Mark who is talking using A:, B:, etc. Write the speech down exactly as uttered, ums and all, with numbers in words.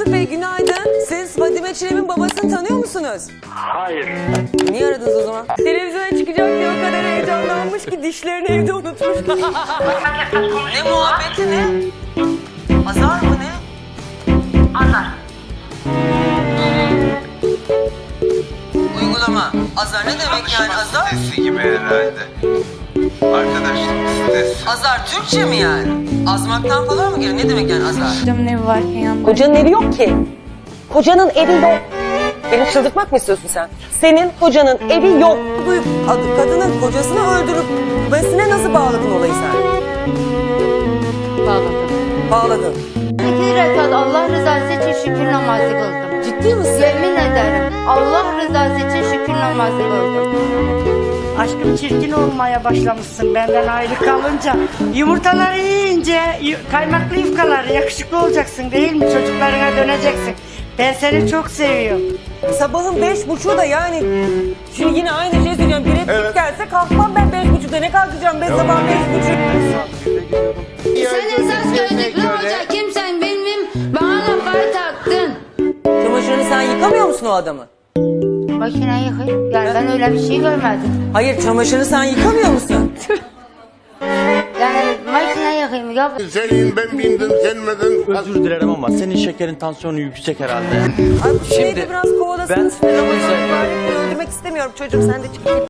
A: Faruk Bey günaydın. Siz Fadime Çilem'in babasını tanıyor musunuz?
B: Hayır.
A: Niye aradınız o zaman? Televizyona çıkacak diye o kadar heyecanlanmış ki dişlerini evde unutmuş. Ne muhabbeti ne? Azar mı ne?
B: Azar.
A: Uygulama. Azar ne demek yani azar?
C: Sitesi gibi herhalde. Arkadaşlık sitesi.
A: Azar Türkçe mi yani? Azmaktan falan mı geliyor? Ne demek yani azar?
D: Kocamın evi varken yanında.
E: Kocanın evi yok ki. Kocanın evi yok. Beni çıldırtmak mı istiyorsun sen? Senin kocanın evi yok.
A: Duyup adı- kadının kocasını öldürüp besine nasıl bağladın olayı sen?
D: Bağladım.
A: Bağladın.
D: İki rekat Allah rızası için şükür namazı kıldım.
A: Ciddi misin?
D: Yemin ederim Allah rızası için şükür namazı kıldım.
F: Aşkım çirkin olmaya başlamışsın benden ayrı kalınca. Yumurtaları yiyince yu- kaymaklı yufkaları yakışıklı olacaksın değil mi? Çocuklarına döneceksin. Ben seni çok seviyorum.
A: Sabahın beş buçuğu da yani. Şimdi yine aynı şey söyleyeceğim. Bir replik gelse kalkmam ben beş buçukta. Ne kalkacağım ben sabah beş buçuk?
G: Sen esas gözlüklü hoca kimsen bilmem bana lafları taktın.
A: Çamaşırını sen yıkamıyor musun o adamı?
D: Makine yıkayım. Yani ben öyle bir şey görmedim.
A: Hayır çamaşırını sen yıkamıyor musun?
D: Yani makine yıkayım. Ya
H: Senin ben bindim sen miydin?
I: Özür dilerim ama senin şekerin tansiyonu yüksek herhalde.
A: Abi bu şeyi de
I: Şimdi
A: biraz kovalasın.
I: ben-
A: Ramazan mübarek öldürmek istemiyorum çocuğum sen de çık.